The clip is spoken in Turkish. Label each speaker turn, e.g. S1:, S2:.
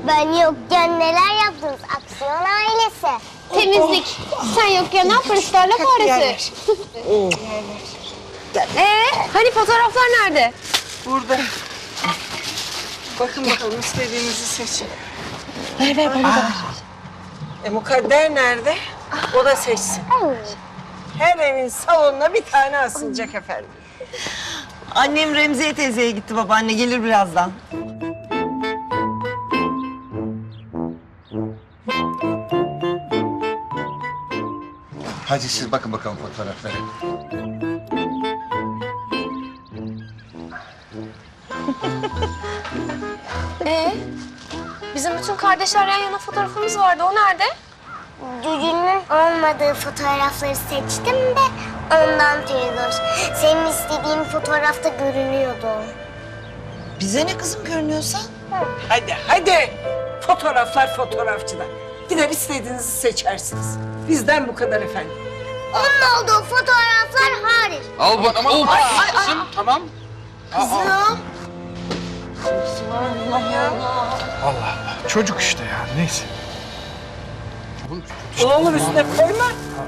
S1: Ben yokken neler yaptınız aksiyon ailesi?
S2: Temizlik. Sen yokken ne yaparız tarla faresi? Hani fotoğraflar nerede?
S3: Burada. Bakın bakalım istediğinizi seçin.
S2: Ver bana da.
S3: Mukadder nerede? O da seçsin. Her evin salonuna bir tane asılacak efendim.
S4: Annem Remziye teyzeye gitti babaanne. Gelir birazdan.
S5: Hadi siz bakın bakalım fotoğraflara.
S2: Bizim bütün kardeşler yan yana fotoğrafımız vardı. O nerede?
S1: Cücünün olmadığı fotoğrafları seçtim de ondan Firuz. Senin istediğin fotoğrafta görünüyordu.
S4: Bize ne kızım görünüyorsa?
S3: Hadi hadi. Fotoğraflar fotoğrafçıda. Gider istediğinizi seçersiniz. Bizden bu kadar efendim.
S1: Onun olduğu fotoğraflar hariç.
S6: Al bak. Tamam. Kızım tamam.
S4: Kızım.
S7: Allah Allah. Çocuk işte ya. Neyse.
S3: Ne olur üstüne koyma.